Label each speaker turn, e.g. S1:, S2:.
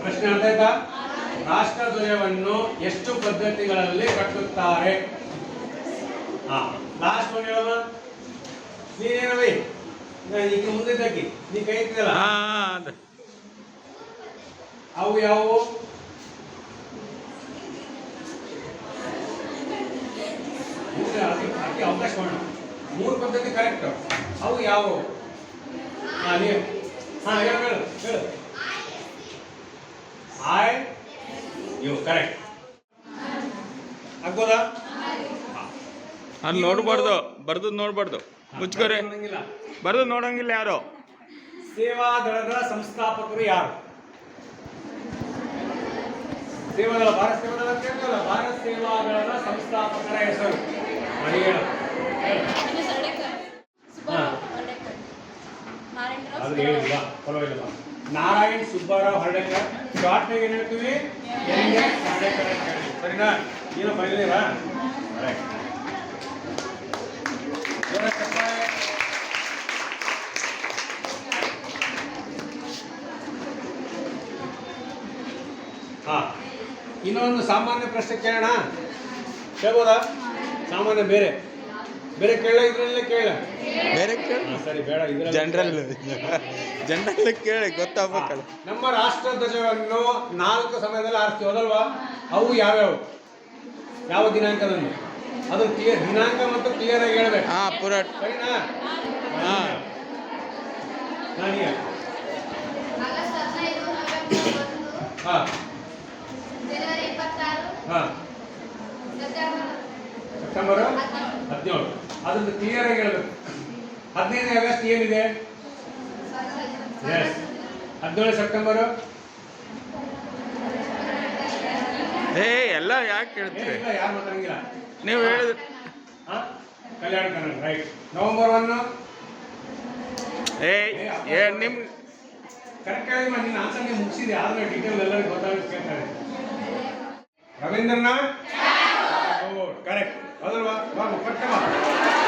S1: ಪ್ರಶ್ನೆ ಅರ್ಥ ಆಯ್ತಾ? ರಾಷ್ಟ್ರಧ್ವಜವನ್ನು ಎಷ್ಟು ಪದ್ಧತಿಗಳಲ್ಲಿ ಕಟ್ಟುತ್ತಾರೆ? ಲಾಸ್ಟ್ ಒಂದು ಹೇಳಮ್ಮ. ನೀನೇನವಿ ಈಗ ಮುಂದಿದ್ದಕ್ಕೆ ನೀ ಕೈ ಇಟ್ಟಿದಲ್ಲ, ಅವು ಯಾವುವು? ಅದಕ್ಕೆ ಅವಕಾಶ ಮಾಡೋಣ. 3 ಪದ್ಧತಿ ಕರೆಕ್ಟ್. ಅವು ಯಾವುವು? ನೀವು ಹೇಳು ಹೇಳು ಹೇಳು. ಐ ಯು ಕರೆಕ್ಟ್ ಆಗ್ಬೋದಾ?
S2: ಅಲ್ಲಿ ನೋಡ್ಬಾರ್ದು, ಬರ್ದು ನೋಡ್ಬಾರ್ದು, ಮುಚ್ಕೋರೆ ಬರ್ದು ನೋಡಂಗಿಲ್ಲ ಯಾರು.
S1: ಸೇವಾದಳದ ಸಂಸ್ಥಾಪಕರು ಯಾರು? ಸೇವಾದಳ, ಭಾರತ ಸೇವಾದಳ ಕೇಳ್ತಲ್ಲ, ಭಾರತ ಸೇವಾದಳದ ಸಂಸ್ಥಾಪಕರ ಹೆಸರು ಹೇಳು. ಅದು ಹೇಳಿಲ್ಲ, ಪರವಾಗಿಲ್ಲ. ನಾರಾಯಣ್ ಸುಬ್ಬಾರಾವ್ ಹರ್ಡೇಕರ್. ಶಾರ್ಟ್ನಾಗ ಏನು ಹೇಳ್ತೀವಿ? NS ಹರ್ಡೇಕರ್ ಅಂತ ಹೇಳಿ. ಸರಿನಾ? ಏನು ಬರಲಿಲ್ಲ? ಇನ್ನೊಂದು ಸಾಮಾನ್ಯ ಪ್ರಶ್ನೆ ಕೇಳೋಣ. ಕೇಳ್ಬೋದಾ? ಸಾಮಾನ್ಯ ಬೇರೆ ಬೇರೆ ಕೇಳ, ಇದ್ರಲ್ಲೇ ಕೇಳ.
S2: ಬೇರೆ
S1: ಸರಿ, ಬೇಡ,
S2: ಜನರಲ್ ಕೇಳಿ ಗೊತ್ತಾಗಬೇಕಲ್ಲ.
S1: ನಮ್ಮ ರಾಷ್ಟ್ರ ಧ್ವಜವನ್ನು 4 ಸಮಯದಲ್ಲಿ ಆರಿಸ್ತೀವಿ, ಹೌದಲ್ವಾ? ಅವು ಯಾವ್ಯಾವು? ಯಾವ ದಿನಾಂಕದಂದು? ಅದು ಕ್ಲಿಯರ್, ದಿನಾಂಕ ಮತ್ತು ಕ್ಲಿಯರ್ ಆಗಿ ಹೇಳ್ಬೇಕು.
S2: ಪೂರ
S1: ಸರಿನಾ? ಸೆಪ್ಟೆಂಬರ್ 17. ಅದನ್ನು ಕ್ಲಿಯರ್ ಆಗಿ ಹೇಳ್ಬೇಕು. 15ನೇ ಆಗಸ್ಟ್ ಏನಿದೆ? 17 ಸೆಪ್ಟೆಂಬರ್.
S2: ಎಲ್ಲ ಯಾಕೆ ಕೇಳ್ತೀವಿ?
S1: ಯಾರು ಮಾತಾಡಂಗಿಲ್ಲ.
S2: ನೀವು ಹೇಳಿದ್ರೆ
S1: ಕಲ್ಯಾಣ ಕರ್ನಾಟಕ. ರೈಟ್. ನವೆಂಬರ್ 1.
S2: ನಿಮ್
S1: ಕರೆಕ್ಟ್ ಆಗಿ ನಿನ್ನ ಆನ್ಸರ್ ನೀವು ಮುಗಿಸಿದೆ, ಆದ್ರೆ ಡೀಟೇಲ್ ಎಲ್ಲರಿಗೂ ಗೊತ್ತಾಗುತ್ತೆ ಕೇಳ್ತಾರೆ. ರವೀಂದ್ರನಾಥ್ ಕರೆಕ್ಟ್, ಹೌದಲ್ವಾ? ಪಟ್ಟ